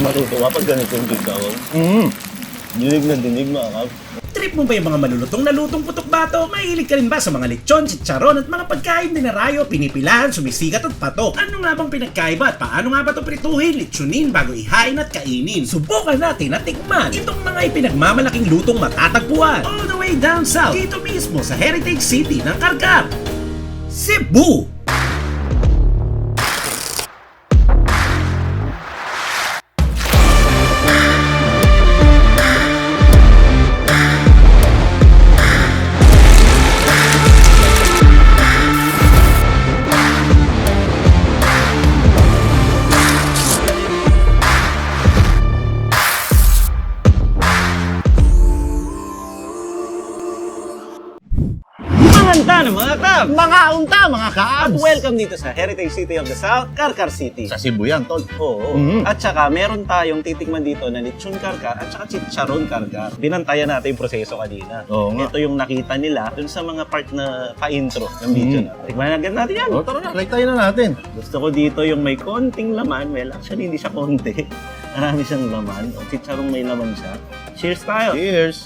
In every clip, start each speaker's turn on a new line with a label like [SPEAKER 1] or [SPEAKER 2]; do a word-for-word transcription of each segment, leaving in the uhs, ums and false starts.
[SPEAKER 1] matutuwa pag ganito yung chicharon.
[SPEAKER 2] Mm.
[SPEAKER 1] Dinig na dinig mga kap.
[SPEAKER 3] Trip mo ba yung mga malulutong na lutong putok bato? Mahilig ka rin ba sa mga lechon, chicharon at mga pagkain dinarayo, pinipilahan, sumisigat at patok? Ano nga bang pinagkaiba at paano nga ba ito prituhin, lechonin bago ihain at kainin? Subukan natin at tikman itong mga ipinagmamalaking lutong matatagpuan all the way down south dito mismo sa Heritage City ng Karkar, Cebu.
[SPEAKER 1] Maganda na mga kap!
[SPEAKER 2] Mga unta, mga
[SPEAKER 1] At
[SPEAKER 2] kaabs!
[SPEAKER 1] welcome dito sa Heritage City of the South, Karkar City.
[SPEAKER 2] Sa Cebu yan, tol.
[SPEAKER 1] Oo.
[SPEAKER 2] Mhm.
[SPEAKER 1] At saka meron tayong titikman dito na lechon karkar at saka chicharon karkar. Binantayan natin yung proseso kanina.
[SPEAKER 2] Oo nga.
[SPEAKER 1] Ito yung nakita nila dun sa mga part na pa-intro ng video
[SPEAKER 2] Mhm.
[SPEAKER 1] natin. Tikman na agad natin yan.
[SPEAKER 2] O, tara na, try tayo na natin.
[SPEAKER 1] Gusto ko dito yung may konting laman. Well, actually hindi siya konti. Marami siyang laman. O, chicharong may laman siya. Cheers tayo!
[SPEAKER 2] Cheers!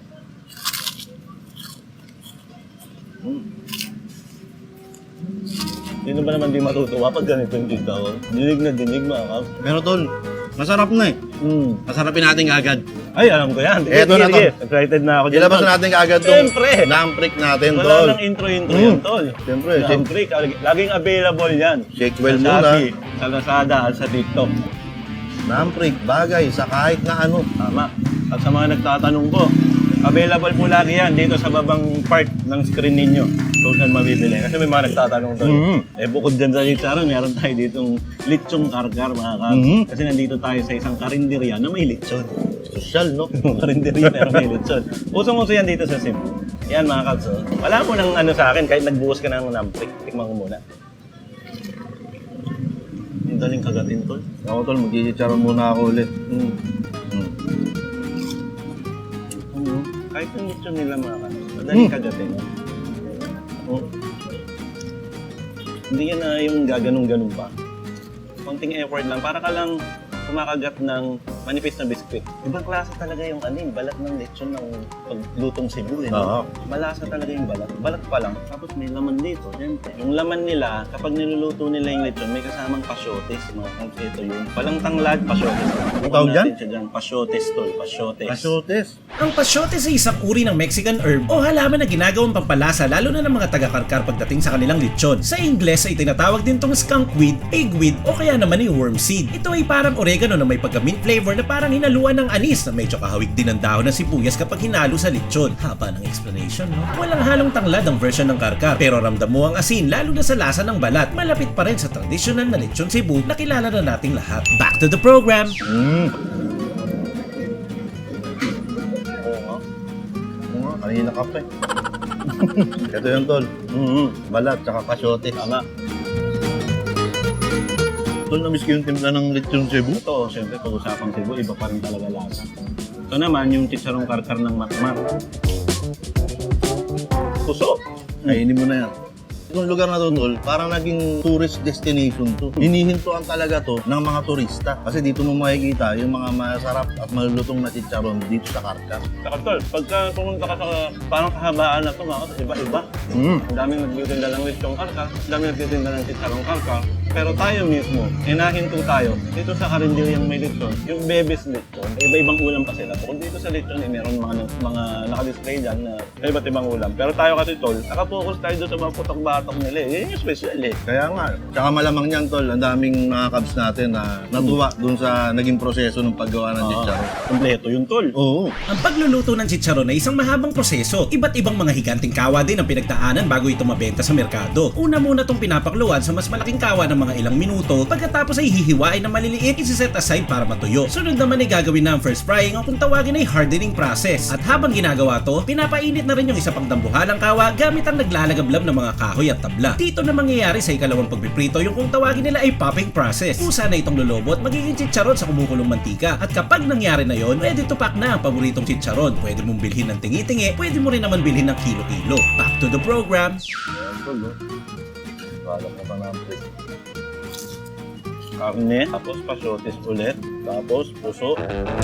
[SPEAKER 1] Sino ba naman di matutuwa pag ganito yung chicharon? Dinig na dinig mga kap.
[SPEAKER 2] Pero tol, masarap na eh.
[SPEAKER 1] Mm.
[SPEAKER 2] Masarapin natin agad.
[SPEAKER 1] Ay, alam ko yan.
[SPEAKER 2] Eto na,
[SPEAKER 1] Sige,
[SPEAKER 2] tol.
[SPEAKER 1] excited na ako dyan.
[SPEAKER 2] Ilabas
[SPEAKER 1] tol.
[SPEAKER 2] na natin agad tong
[SPEAKER 1] Siyempre.
[SPEAKER 2] lamprick natin,
[SPEAKER 1] Wala
[SPEAKER 2] tol.
[SPEAKER 1] nang intro-intro
[SPEAKER 2] Mm.
[SPEAKER 1] yan, tol.
[SPEAKER 2] Siyempre,
[SPEAKER 1] Siyempre, lagi- laging available yan.
[SPEAKER 2] Shake well
[SPEAKER 1] sa
[SPEAKER 2] muna.
[SPEAKER 1] Shopee, sa Lazada, at sa TikTok.
[SPEAKER 2] Lamprick, bagay sa kahit na ano.
[SPEAKER 1] Tama. At sa mga nagtatanong po, available po lagi yan dito sa babang part ng screen ninyo. Kung saan mabibili. Kasi may mga nagtatanong doon.
[SPEAKER 2] Mhm.
[SPEAKER 1] Eh bukod dyan sa chicharon, meron tayo ditong lechong karkar mga kap.
[SPEAKER 2] Mhm.
[SPEAKER 1] Kasi nandito tayo sa isang karinderya na may lechon.
[SPEAKER 2] Social, no?
[SPEAKER 1] Karinderya pero may lechon. Usong-uso yan dito sa Cebu. Yan mga kaps. Oh. Wala mo nang ano sa akin kahit nagbuhos ka ng lamprick. Tikman ko muna. Ang daling kagatin tol.
[SPEAKER 2] Ako, tol, mag-chicharon muna ako ulit.
[SPEAKER 1] Mm.
[SPEAKER 2] Mm.
[SPEAKER 1] Mm. Kahit yung lechon nila mga kaps. Madaling
[SPEAKER 2] Mm.
[SPEAKER 1] kagatin. Oh. Hindi yan na yung gaganong-ganong pa. Konting effort lang. Para ka lang kumakagat ng manipis na biskwit. Ibang klase talaga yung ano, yung balat ng lechon ng paglutong Cebu. Eh,
[SPEAKER 2] Oo.
[SPEAKER 1] no? Malasa talaga yung balat. Balat pa lang. Tapos may laman dito. Siyempre. Yung laman nila, kapag niluluto nila yung lechon, may kasamang pasyotes. Mga kams, ito yung palang tanglad, pasyotes.
[SPEAKER 2] Ang tawag dyan?
[SPEAKER 1] Siya dyan. Pasyotes tol. Pasyotes.
[SPEAKER 2] Asotes.
[SPEAKER 3] Ang pasyotes ay isang uri ng Mexican herb o halaman na ginagawang pampalasa lalo na ng mga taga-karkar pagdating sa kanilang lechon. Sa Ingles ay tinatawag din tong skunkweed, pigweed o kaya naman ay wormseed. Ito ay parang oregano na may pagka-mint flavor na parang hinaluan ng anis na medyo kahawig din ng dahon ng sibuyas kapag hinalo sa lechon. Haba ng explanation, no? Walang halong tanglad ang version ng karkar pero ramdam mo ang asin lalo na sa lasa ng balat. Malapit pa rin sa traditional na lechon Cebu na kilala na nating lahat. Back to the program!
[SPEAKER 2] Mm.
[SPEAKER 1] Oo nga.
[SPEAKER 2] Oo nga, kanina ka pa eh. Ito yung tol.
[SPEAKER 1] Mhm.
[SPEAKER 2] Balat, tsaka kasotes.
[SPEAKER 1] Tama.
[SPEAKER 2] Tol, namiss ko yung timpla ng lechon Cebu.
[SPEAKER 1] Ito, siyempre, pag-usapang Cebu, iba pa rin talaga lasa. Ito naman, yung chicharong karkar ng matmat. Puso!
[SPEAKER 2] Kainin mo na yan. Itong lugar na to, tol, parang naging tourist destination to. Hinihintuan talaga to ng mga turista. Kasi dito mo makikita yung mga masarap at malulutong na chicharon dito sa Karkar.
[SPEAKER 1] Saka tol, pagka pumunta ka sa parang kahabaan na ito, mga kasi iba-iba.
[SPEAKER 2] Mm.
[SPEAKER 1] Ang daming nagtitinda ng lechong karkar, ang daming nagtitinda ng chicharong karkar. Pero tayo mismo, hinahinto tayo dito sa karinderyang may lechon, yung bebes lechon, iba-ibang ulam pa sila. Kung dito sa lechon, eh, meron mga, mga naka-display dyan na iba't ibang ulam. Pero tayo kasi tol, nakapokus tayo doon sa mga putok-batok nila eh. Yan yung special eh.
[SPEAKER 2] Kaya nga, tsaka malamang yan, tol, ang daming mga kabs natin na natuwa dun sa naging proseso ng paggawa ng chicharon.
[SPEAKER 1] Kompleto yung tol.
[SPEAKER 2] Oo.
[SPEAKER 3] Ang pagluluto ng chicharon ay isang mahabang proseso. Iba't ibang mga higanting kawa din ang pinagdaanan bago ito mabenta sa merkado. Una muna itong pinapakluan sa mas malaking kawa ng mga ilang minuto, pagkatapos ay hihiwain na maliliit, isi-set aside para matuyo. Sunod naman ay gagawin na ang first frying o kung tawagin ay hardening process. At habang ginagawa to, pinapainit na rin yung isa pang dambuhalang kawa gamit ang naglalagablab ng mga kahoy at tabla. Dito na mangyayari sa ikalawang pagpiprito yung kung tawagin nila ay popping process. Kusa na itong lulobot, magiging chicharon sa kumukulong mantika. At kapag nangyari na yon, ready to pack na ang paboritong chicharon. Pwede mong bilhin ng tingi-tingi, pwede mo rin naman bilhin ng kilo-kilo. Back to the program.
[SPEAKER 2] Ayan, tol, oh. Balak na pa namin.
[SPEAKER 1] Karne, tapos pasyotis ulit, tapos puso.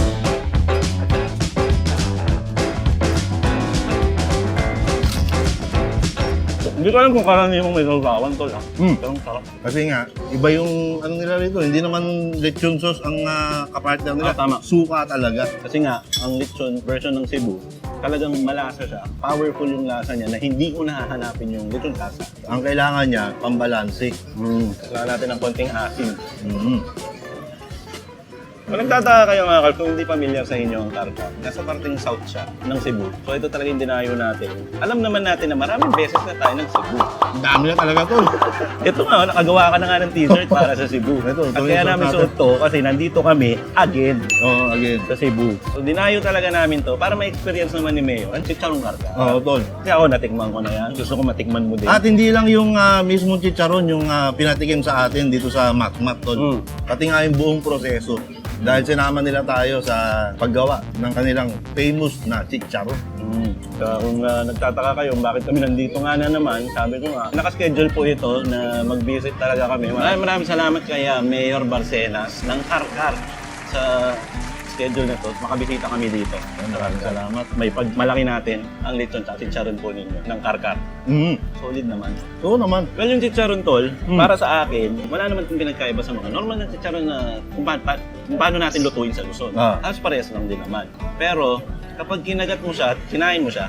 [SPEAKER 1] Hindi ko alam kung karaniwang may sausawan tol ah.
[SPEAKER 2] Mm.
[SPEAKER 1] Pero ang sarap.
[SPEAKER 2] Kasi nga, iba yung ano nila rito. Hindi naman lechon sauce ang uh, kapartner nila.
[SPEAKER 1] Ah, tama.
[SPEAKER 2] Suka talaga.
[SPEAKER 1] Kasi nga, ang lechon version ng Cebu, talagang malasa siya. Powerful yung lasa niya na hindi ko nahahanapin yung lechon lasa.
[SPEAKER 2] Ang kailangan niya, pambalanse.
[SPEAKER 1] Mm. Kailangan natin ng konting asin.
[SPEAKER 2] Mm.
[SPEAKER 1] Kung nagtataka kayo mga kalp, kung hindi familiar sa inyo ang Carcar, nasa parting south siya ng Cebu. So ito talaga yung dinayo natin. Alam naman natin na maraming beses na tayo ng Cebu.
[SPEAKER 2] Ang dami na talaga to.
[SPEAKER 1] Ito nga, nakagawa ka na nga ng t-shirt para sa Cebu.
[SPEAKER 2] Ito, ito
[SPEAKER 1] At
[SPEAKER 2] yung
[SPEAKER 1] kaya
[SPEAKER 2] suot
[SPEAKER 1] namin
[SPEAKER 2] natin.
[SPEAKER 1] suot to kasi nandito kami again
[SPEAKER 2] Oo, again.
[SPEAKER 1] sa Cebu. So dinayo talaga namin to para ma-experience naman ni Mayo ang chicharong Carcar.
[SPEAKER 2] Oo, tol.
[SPEAKER 1] Kasi ako natikman ko na yan. Gusto ko matikman mo din.
[SPEAKER 2] At hindi lang yung ah, mismong chicharon yung ah, pinatikim sa atin dito sa Matmat, tol.
[SPEAKER 1] Mm.
[SPEAKER 2] Pati nga yung buong proseso. Dahil sinama nila tayo sa paggawa ng kanilang famous na chicharon.
[SPEAKER 1] Mm. Kaya kung uh, nagtataka kayo bakit kami nandito nga na naman, sabi ko nga, nakaschedule po ito na mag-visit talaga kami. Maraming maraming salamat kay uh, Mayor Barcenas ng Carcar sa schedule na to. Makabisita kami dito. Maraming salamat. May pagmalaki natin ang lechon at chicharon po ninyo ng Carcar.
[SPEAKER 2] Mm.
[SPEAKER 1] Solid naman.
[SPEAKER 2] Oo naman.
[SPEAKER 1] Well, yung chicharon tol,
[SPEAKER 2] Mm.
[SPEAKER 1] para sa akin, wala naman kung pinagkaiba sa mga normal na chicharon na kung, pa, pa, kung paano natin lutuin sa Luzon.
[SPEAKER 2] Ah.
[SPEAKER 1] Halos parehas lang din naman. Pero, kapag kinagat mo siya at kinain mo siya,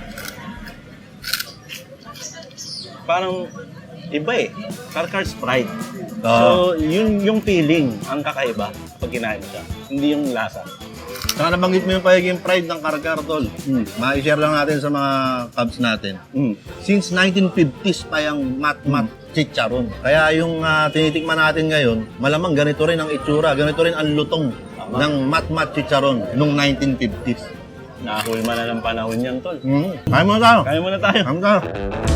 [SPEAKER 1] parang iba eh. Carcar's pride.
[SPEAKER 2] Ah.
[SPEAKER 1] So, yun yung feeling ang kakaiba pag kinain mo siya. Hindi yung lasa.
[SPEAKER 2] Saka nabanggit mo yung pagiging pride ng Carcar, tol.
[SPEAKER 1] Mm.
[SPEAKER 2] Ma-share lang natin sa mga cubs natin.
[SPEAKER 1] Mm.
[SPEAKER 2] Since nineteen fifties pa yung mat-mat chicharon. Kaya yung ah, tinitikman natin ngayon, malamang ganito rin ang itsura, ganito rin ang lutong
[SPEAKER 1] Tama.
[SPEAKER 2] ng mat-mat chicharon nung nineteen fifties.
[SPEAKER 1] Nakahulma na ng panahon yan, tol.
[SPEAKER 2] Mm. Kaya mo na tayo.
[SPEAKER 1] Kaya muna tayo.
[SPEAKER 2] Kaya mo tayo.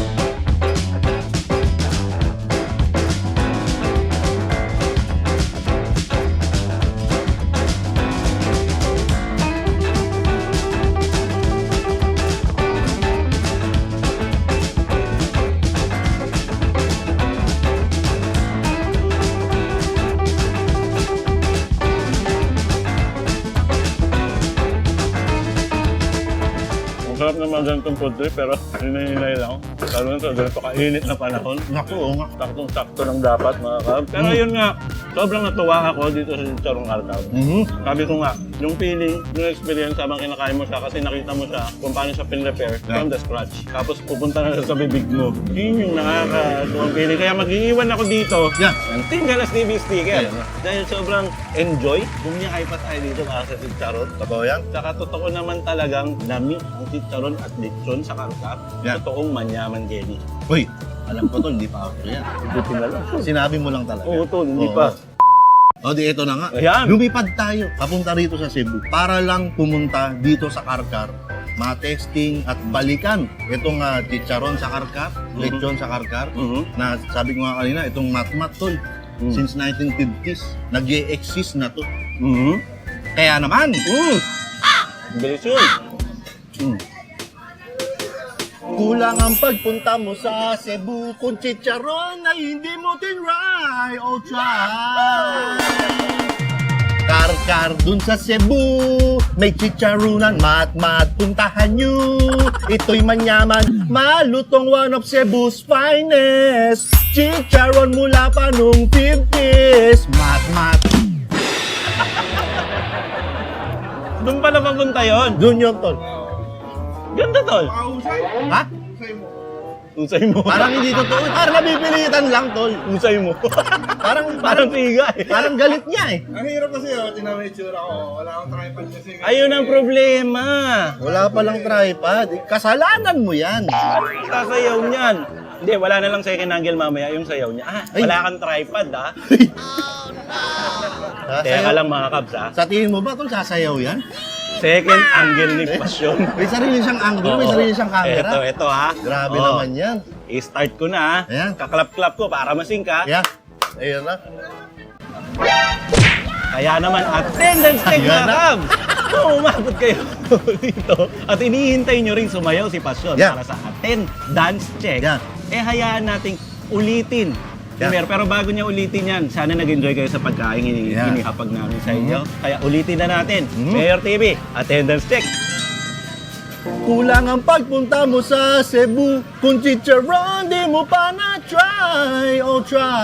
[SPEAKER 1] Ang sarap naman ganitong food trip, pero hinahinay lang. Lalo na sa ganito kainit na panahon.
[SPEAKER 2] Naku, oo nga.
[SPEAKER 1] Saktong-sakto lang dapat mga kab. Pero yun nga, sobrang natuwa ako dito sa Chicharong Carcar.
[SPEAKER 2] Mhm.
[SPEAKER 1] Sabi ko nga, yung feeling, yung experience habang kinakain mo siya kasi nakita mo siya kung paano siya pin-repair from the scratch. Tapos pupunta na siya sa bibig mo. Yun yung nakakatuwang feeling. Kaya mag-iiwan ako dito
[SPEAKER 2] Yeah.
[SPEAKER 1] ng Team Galas T V sticker.
[SPEAKER 2] Yeah.
[SPEAKER 1] Dahil sobrang enjoy. Bumiyakay pa tayo dito para sa Chicharon.
[SPEAKER 2] Totoo yan?
[SPEAKER 1] Saka totoo naman talagang lami ang chicharon at lechon sa Carcar.
[SPEAKER 2] Yeah.
[SPEAKER 1] Totoong manyaman jelly.
[SPEAKER 2] Uy, alam ko tol, hindi pa ako yan.
[SPEAKER 1] Buti na lang.
[SPEAKER 2] Sinabi mo lang talaga.
[SPEAKER 1] Oo, tol, hindi
[SPEAKER 2] Oo.
[SPEAKER 1] pa.
[SPEAKER 2] O di ito na nga.
[SPEAKER 1] Ayan.
[SPEAKER 2] Lumipad tayo papunta rito sa Cebu para lang pumunta dito sa Carcar, ma-testing at balikan itong uh, chicharon sa Carcar, lechon sa Carcar,
[SPEAKER 1] Mhm.
[SPEAKER 2] na sabi ko nga kanina, itong matmat tol.
[SPEAKER 1] Mm.
[SPEAKER 2] Since nineteen fifties, nag-e-exist na to.
[SPEAKER 1] Mhm.
[SPEAKER 2] Kaya naman,
[SPEAKER 1] Mm. Bilis yun.
[SPEAKER 2] mm, kulang ang pagpunta mo sa Cebu kung chicharon ay hindi mo tinry o try. Carcar dun sa Cebu, may chicharunan, mat-mat, puntahan nyo. Ito'y manyaman, malutong, one of Cebu's finest. Chicharon mula pa nung fifties, mat-mat.
[SPEAKER 1] Doon pala papunta yun.
[SPEAKER 2] Dun yun, tol.
[SPEAKER 1] Ganda, tol.
[SPEAKER 2] Ha?
[SPEAKER 1] Usay mo.
[SPEAKER 2] Parang hindi totoo. Parang nabipilitan lang, tol.
[SPEAKER 1] Usay mo.
[SPEAKER 2] Parang,
[SPEAKER 1] Parang tiga eh.
[SPEAKER 2] parang galit niya eh.
[SPEAKER 4] Ang hirap kasi oh, tingnan mo yung itsura ko. Wala akong tripod kasi.
[SPEAKER 1] Ayun ang problema.
[SPEAKER 2] Wala palang tripod. Kasalanan mo yan.
[SPEAKER 1] Sasayaw niyan. Hindi, wala na lang second angle mamaya yung sayaw niya. Ah,
[SPEAKER 2] Ay.
[SPEAKER 1] wala kang tripod ah.
[SPEAKER 2] Ha?
[SPEAKER 1] Teka
[SPEAKER 2] Sayaw-
[SPEAKER 1] lang mga kabs ah.
[SPEAKER 2] Sa tingin mo ba, tol, sasayaw yan?
[SPEAKER 1] Second angle ni Pasyon.
[SPEAKER 2] May sarili siyang angle, may
[SPEAKER 1] Oo.
[SPEAKER 2] sarili siyang camera.
[SPEAKER 1] Ito, ito ha.
[SPEAKER 2] Grabe
[SPEAKER 1] Oo.
[SPEAKER 2] naman yan.
[SPEAKER 1] I-start ko na ha.
[SPEAKER 2] Ayan.
[SPEAKER 1] Kaklap-klap ko para masing ka.
[SPEAKER 2] Yeah. Ayun na.
[SPEAKER 1] Kaya naman attendance check
[SPEAKER 2] Ayan
[SPEAKER 1] mga
[SPEAKER 2] na.
[SPEAKER 1] kabs. Kung umabot kayo dito at inihintay nyo rin sumayaw si Pasyon
[SPEAKER 2] Yeah.
[SPEAKER 1] para sa attendance check,
[SPEAKER 2] Yeah.
[SPEAKER 1] eh hayaan nating ulitin
[SPEAKER 2] Yeah.
[SPEAKER 1] Pero, pero bago niya ulitin yan, sana nag-enjoy kayo sa pagkain ini
[SPEAKER 2] Yeah.
[SPEAKER 1] inihapag namin sa inyo. Kaya ulitin na natin.
[SPEAKER 2] Mhm.
[SPEAKER 1] Mayor T V, attendance check.
[SPEAKER 2] Kulang ang pagpunta mo sa Cebu. Kung chicharon, di mo pa na-try. Oh,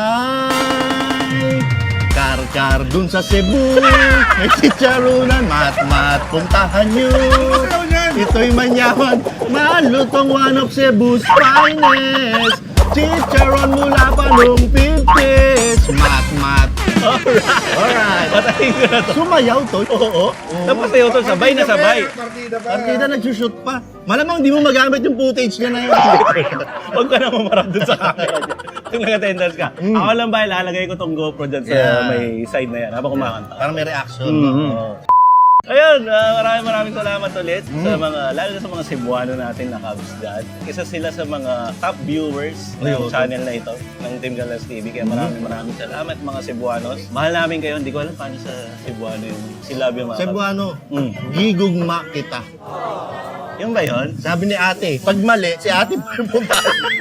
[SPEAKER 2] try. Kar-kar dun sa Cebu. May chicharonan, mat-mat, puntahan nyo. Ito'y manyaman, malutong one of Cebu's finest. Chicharon mula pa nung fifties. Mat-mat.
[SPEAKER 1] Alright.
[SPEAKER 2] Alright.
[SPEAKER 1] Patayin ko na to.
[SPEAKER 2] Sumayaw to. Oo.
[SPEAKER 1] Tapos sa'yo to, sabay na sabay.
[SPEAKER 4] Partida pa.
[SPEAKER 2] Partida nagsushoot pa. Malamang di mo magamit yung footage niya na yun.
[SPEAKER 1] Huwag ka na mamarap dun sa camera niya. Kung nag-attendance ka.
[SPEAKER 2] Mm.
[SPEAKER 1] Ako lang ba, lalagay ko tong GoPro dyan sa
[SPEAKER 2] Yeah.
[SPEAKER 1] may side na yan habang kumakanta.
[SPEAKER 2] Parang may reaction.
[SPEAKER 1] Mhm.
[SPEAKER 2] Oo.
[SPEAKER 1] Ayun, ah, maraming maraming salamat ulit
[SPEAKER 2] Mm.
[SPEAKER 1] sa mga, lalo na sa mga Cebuano natin na Cubs dad. Isa sila sa mga top viewers
[SPEAKER 2] Ay,
[SPEAKER 1] ng
[SPEAKER 2] oo.
[SPEAKER 1] channel na ito, ng Team Galas T V. Kaya maraming maraming salamat mga Cebuanos. Mahal namin kayo, hindi ko alam paano sa Cebuano yung silabyo mga Cubs.
[SPEAKER 2] Cebuano,
[SPEAKER 1] Mm.
[SPEAKER 2] gigugma kita.
[SPEAKER 1] Yung ba yun?
[SPEAKER 2] Sabi ni ate, pag mali, si ate po yung punta.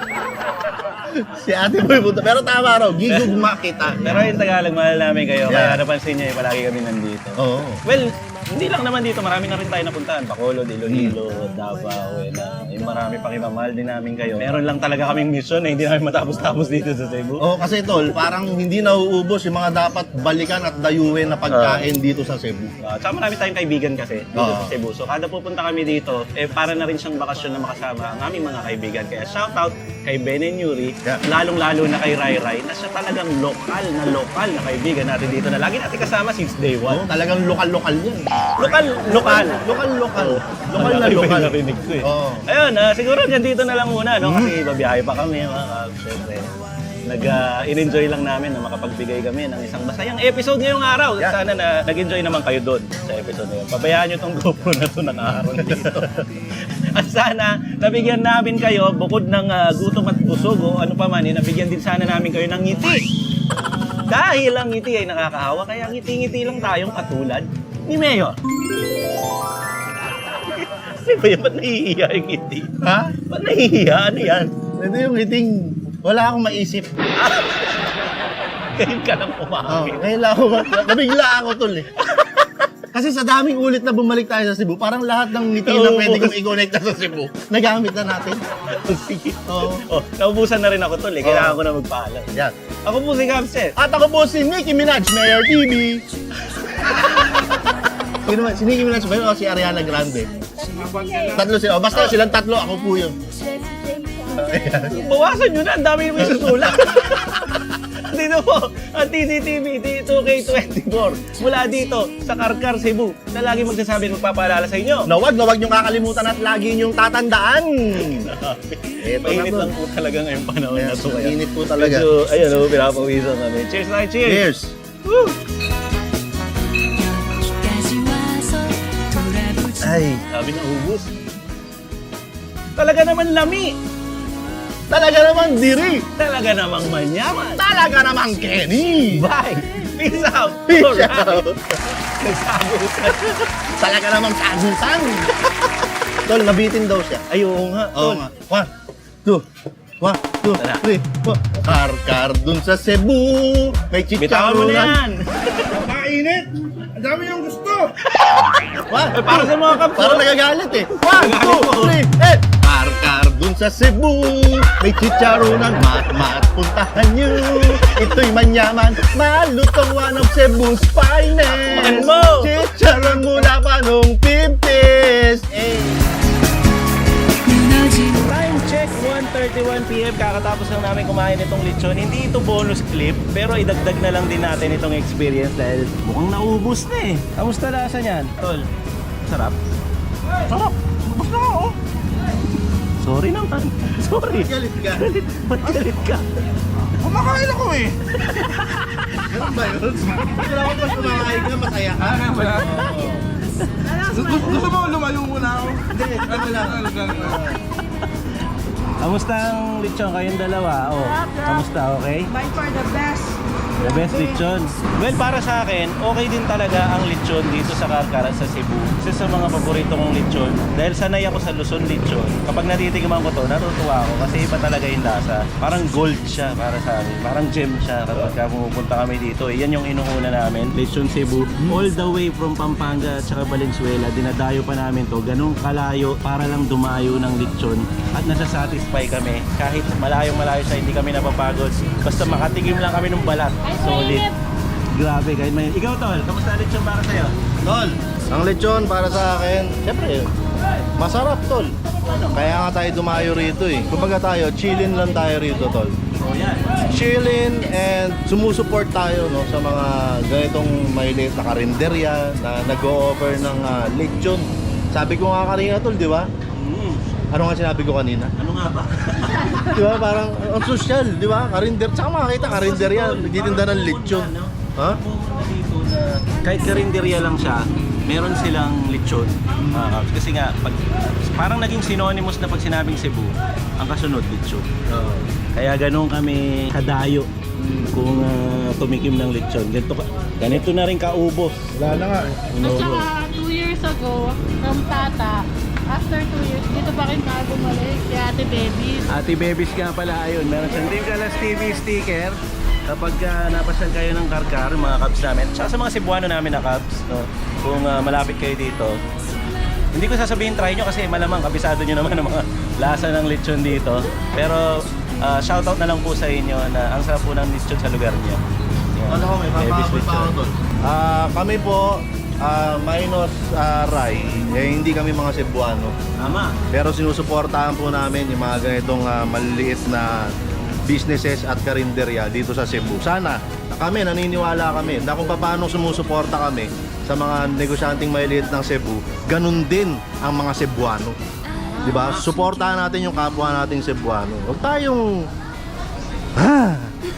[SPEAKER 2] si ate po yung punta. Pero tama raw, gigugma kita.
[SPEAKER 1] Pero yung Tagalog, mahal namin kayo.
[SPEAKER 2] Yeah.
[SPEAKER 1] Kaya napansin niyo, eh, palagi kami nandito.
[SPEAKER 2] Oo.
[SPEAKER 1] Well, hindi lang naman dito, marami na rin tayo napuntahan. Bacolod, Iloilo, Davao, and uh, yung marami pang iba. Mahal din namin kayo. Meron lang talaga kaming mission na hindi namin matapos-tapos dito sa Cebu.
[SPEAKER 2] Oo, kasi tol, parang hindi nauubos yung mga dapat balikan at dayuhin na pagkain dito sa Cebu.
[SPEAKER 1] Uh, tsaka marami tayong kaibigan kasi dito
[SPEAKER 2] Oo.
[SPEAKER 1] sa Cebu. So kada pupunta kami dito, eh para na rin siyang bakasyon na makasama ang aming mga kaibigan. Kaya shoutout kay Ben and Yuri,
[SPEAKER 2] Yeah.
[SPEAKER 1] lalong-lalo na kay Rai Rai, na siya talagang lokal na lokal na kaibigan natin dito na lagi natin kasama since day one.
[SPEAKER 2] Oo, talagang lokal-lokal yan.
[SPEAKER 1] Lokal, lokal.
[SPEAKER 2] Lokal-lokal. Lokal na
[SPEAKER 1] Ang
[SPEAKER 2] lokal.
[SPEAKER 1] iba yung narinig ko eh.
[SPEAKER 2] Oo.
[SPEAKER 1] Ayun, ah, siguro dyan dito na lang muna, no? Kasi babiyahe pa kami, mga kabs. Siyempre, nag-enjoy lang namin na makapagbigay kami ng isang masayang episode ngayong araw.
[SPEAKER 2] Yeah.
[SPEAKER 1] Sana na nag-enjoy naman kayo doon sa episode na yun. Pabayaan nyo tong GoPro na to nakaharap na dito. At sana, nabigyan namin kayo, bukod ng ah, gutom at busog, o ano pa man, eh, nabigyan din sana namin kayo ng ngiti. Dahil ang ngiti ay nakakahawa, kaya ngiti-ngiti lang tayong katulad ni Mayor. Ano ba yan? Ba't nahihiya yung ngiti?
[SPEAKER 2] Ha?
[SPEAKER 1] Ba't nahihiya? Ano yan?
[SPEAKER 2] Ito yung iting, wala akong maisip.
[SPEAKER 1] Ngayon ka lang
[SPEAKER 2] Oh,
[SPEAKER 1] umangin.
[SPEAKER 2] ngayon lang ako, nabigla ako tol eh. Kasi sa daming ulit na bumalik tayo sa Cebu, parang lahat ng ngiti na
[SPEAKER 1] Oo.
[SPEAKER 2] pwede kong i-connect sa Cebu, nagamit na natin.
[SPEAKER 1] Sige.
[SPEAKER 2] Oo.
[SPEAKER 1] Oh, naubusan na rin ako tol eh. Kailangan ko na magpaalam.
[SPEAKER 2] Yan.
[SPEAKER 1] Ako po si Capset.
[SPEAKER 2] At ako po si Nicki Minaj, Mayor T V. Sino man, si Nicki Minaj ba yun o si Ariana Grande? Tatlo sila. O, basta silang tatlo, ako po yun.
[SPEAKER 1] Bawasan nyo na. Ang dami yung may susulat. Dito po, ang T C T V two K twenty-four. Mula dito sa Karkar, Cebu, na lagi magsasabi at magpapaalala sa inyo.
[SPEAKER 2] Na wag na wag niyong kakalimutan at lagi niyong tatandaan. Eto na
[SPEAKER 1] Mainit
[SPEAKER 2] po.
[SPEAKER 1] lang po talaga ngayong panahon na
[SPEAKER 2] Yes,
[SPEAKER 1] to. Kaya
[SPEAKER 2] mainit po talaga.
[SPEAKER 1] medyo, ayun, oh, pinapawisan kami. Cheers tayo, cheers!
[SPEAKER 2] Cheers!
[SPEAKER 1] Woo!
[SPEAKER 2] Ay,
[SPEAKER 1] Sabi na ubus. Talaga naman lami.
[SPEAKER 2] talaga naman diri.
[SPEAKER 1] Talaga namang manyaman.
[SPEAKER 2] Talaga naman Kenny.
[SPEAKER 1] Bye! Peace out!
[SPEAKER 2] Peace
[SPEAKER 1] Alright.
[SPEAKER 2] out.
[SPEAKER 1] Nagsagutan.
[SPEAKER 2] Talaga namang sagutan. Tol, nabitin daw siya.
[SPEAKER 1] Ay, oo nga,
[SPEAKER 2] Oo
[SPEAKER 1] tol.
[SPEAKER 2] nga. One, two, one, two,
[SPEAKER 1] Tara.
[SPEAKER 2] three, four. Kar-kar dun sa Cebu. May
[SPEAKER 1] Bitawan mo na yan!
[SPEAKER 4] Napakainit! Ang dami yung gusto!
[SPEAKER 2] One,
[SPEAKER 1] Eh, para sa mga kapso.
[SPEAKER 2] Parang nagagalit eh. One,
[SPEAKER 1] Nagagalit
[SPEAKER 2] two,
[SPEAKER 1] mo.
[SPEAKER 2] three, eh! Kar-kar dun sa Cebu. May chicharonan, mat-mat, puntahan nyo. Ito'y manyaman, malutong one of Cebu's finest.
[SPEAKER 1] Ano mo?
[SPEAKER 2] Chicharon mula pa nung fifties. Eh.
[SPEAKER 1] Time check, one thirty-one p m Kakatapos lang namin kumain itong lechon. Hindi ito bonus clip, pero idagdag na lang din natin itong experience dahil mukhang naubos na eh. Kamusta lasa niyan? Tol, sarap? Sarap! Ubus na ako! Sorry naman. Sorry.
[SPEAKER 2] Galit ka.
[SPEAKER 1] Galit. Ba't galit ka?
[SPEAKER 4] Kumakain ako eh!
[SPEAKER 2] Ganun ba yun? Wala ko mas kumakain ka, masaya ka.
[SPEAKER 4] Gusto, gusto mo lumayo muna ako?
[SPEAKER 2] Hindi, ano lang.
[SPEAKER 1] Kamusta ang lechon kayong dalawa? Oh, kamusta? Okay?
[SPEAKER 5] Bye for the best.
[SPEAKER 3] The best lechon. Well, para sa akin, okay din talaga ang lechon dito sa Carcar at sa Cebu. Isa sa mga paborito kong lechon. Dahil sanay ako sa Luzon lechon. Kapag natitikman ko to, natutuwa ako kasi iba talaga yung lasa. Parang gold siya para sa amin. Parang gem siya kapag pumupunta kami dito. Eh, yan yung inuuna namin. Lechon Cebu. All the way from Pampanga at saka Valenzuela, dinadayo pa namin to. Ganun kalayo para lang dumayo ng lechon. At nasasatisfy kami. Kahit malayong malayo sa hindi kami napapagod. Basta makatigim lang kami ng balat. Solid. Grabe kahit may... Ikaw tol, kamusta lechon para sa'yo?
[SPEAKER 2] Tol, ang lechon para sa akin, syempre, masarap tol. Kaya nga tayo dumayo rito eh. Kumbaga tayo, chillin lang tayo rito tol.
[SPEAKER 3] Oh yan.
[SPEAKER 2] Chillin and sumusuport tayo no, sa mga ganitong maliit na karinderya na nag-o-offer ng ah, lechon. Sabi ko nga kanina tol, di ba?
[SPEAKER 3] Mm.
[SPEAKER 2] Ano nga sinabi ko kanina?
[SPEAKER 3] Ano nga ba?
[SPEAKER 2] Di ba? Parang ang social, di ba? Karinder, tsaka makakita karinderya, nagtitinda ng lechon. Ha?
[SPEAKER 3] Pumunta dito na kahit karinderya lang siya, meron silang lechon. Ah, kasi nga, pag, parang naging synonymous na pag sinabing Cebu, ang kasunod lechon. Kaya ganun kami kadayo kung ah, tumikim ng lechon. Ganito, ka- ganito na rin kaubos.
[SPEAKER 2] Wala na nga.
[SPEAKER 5] At saka, two years ago, from Tata, after two years, dito pa rin tayo bumalik si Ate Babies.
[SPEAKER 3] Ate Bebis nga pala, ayun, meron siyang Team Kalas T V sticker. Kapag uh, napasyal kayo ng Carcar, mga Cubs namin, tsaka sa mga Cebuano namin na Cubs, no? Kung ah, malapit kayo dito, hindi ko sasabihin try nyo kasi malamang kabisado nyo naman ang mga lasa ng lechon dito. Pero uh, shoutout na lang po sa inyo na ang sarap po ng lechon sa lugar niyo. Yan.
[SPEAKER 2] Ano ko, may
[SPEAKER 3] Bebis
[SPEAKER 2] papakapit pa ako
[SPEAKER 3] lechon.
[SPEAKER 2] tol. Ah, kami po, ah, minus ah, Rai, eh, hindi kami mga Cebuano.
[SPEAKER 3] Tama.
[SPEAKER 2] Pero sinusuportahan po namin yung mga ganitong ah, maliliit na businesses at karinderya dito sa Cebu. Sana kami, naniniwala kami na kung paano sumusuporta kami sa mga negosyanteng maliliit ng Cebu, ganun din ang mga Cebuano. Di ba? Suportahan natin yung kapwa nating Cebuano. Huwag tayong... Ah!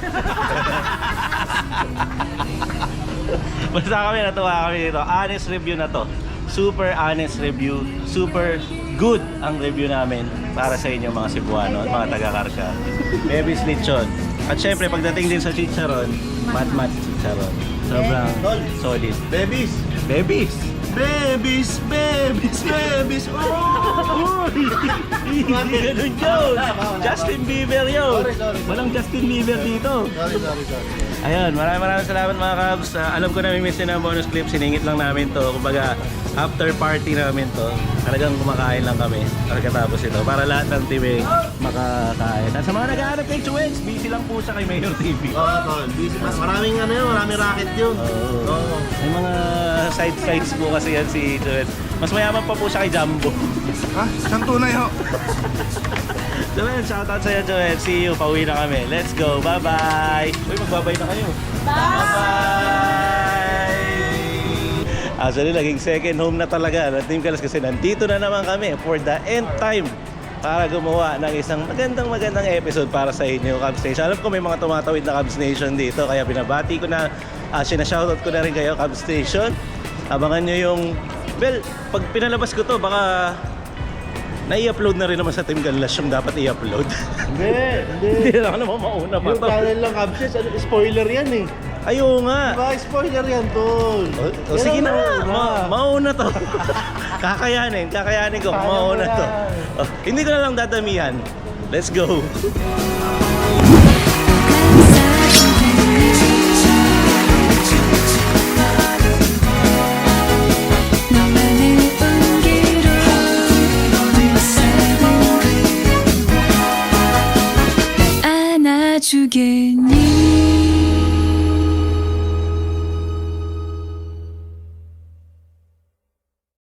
[SPEAKER 3] Basta kami natuwa kami dito. Honest review na to. Super honest review. Super good ang review namin para sa inyo mga Cebuano at mga taga-Carcar. Bebis lechon. At syempre pagdating din sa chicharon, mat-mat chicharon. Sobrang solid.
[SPEAKER 2] Babies!
[SPEAKER 3] Bebis!
[SPEAKER 2] Babies! Babies! Babies! Oh!
[SPEAKER 3] Hindi ganun yun! Justin Bieber yun!
[SPEAKER 2] Sorry, sorry.
[SPEAKER 3] Walang Justin Bieber dito.
[SPEAKER 2] Sorry, sorry, sorry.
[SPEAKER 3] Ayun, maraming maraming salamat mga Cubs. Ah, alam ko na may miss na ang bonus clip, siningit lang namin to. Kumbaga, after party namin to. Talagang kumakain lang kami pagkatapos ito para lahat ng team eh, makakain. At sa mga nag-aanap kay Chuens, busy lang po siya kay Mayor T V.
[SPEAKER 2] Oo, tol. Busy pa. Maraming ano yun, maraming racket yun.
[SPEAKER 3] Oo.
[SPEAKER 2] Oo.
[SPEAKER 3] May mga side sides po kasi yan si Chuens. Mas mayaman pa po siya kay Jumbo.
[SPEAKER 4] Ha? Isang tunay ho.
[SPEAKER 3] Joel, shoutout sa'yo Joel. See you, pauwi na kami. Let's go, bye-bye! Uy, magbabay na kayo. Bye-bye! Actually, naging second home na talaga ng Team Kalas kasi nandito na naman kami for the end time para gumawa ng isang magandang magandang episode para sa inyo, Cubs Nation. Alam ko may mga tumatawid na Cubs Nation dito, kaya binabati ko na, uh, sinashoutout ko na rin kayo, Cubs Nation. Abangan nyo yung, well, pag pinalabas ko to, baka nai-upload na rin naman sa Team Kalas yung dapat i-upload.
[SPEAKER 2] Hindi, hindi.
[SPEAKER 3] Hindi na ako naman mauna pa
[SPEAKER 2] Yung
[SPEAKER 3] to.
[SPEAKER 2] channel lang, Kabses, ano, spoiler yan eh.
[SPEAKER 3] Ayaw nga.
[SPEAKER 2] Diba, spoiler yan, tol.
[SPEAKER 3] O, o sige na nga, ma mauna to. Kakayanin, kakayanin ko,
[SPEAKER 2] Kaya mo
[SPEAKER 3] mauna to.
[SPEAKER 2] yan.
[SPEAKER 3] O, hindi ko na lang dadamihan. Let's go.
[SPEAKER 6] 너만을 온기로 안아주겠니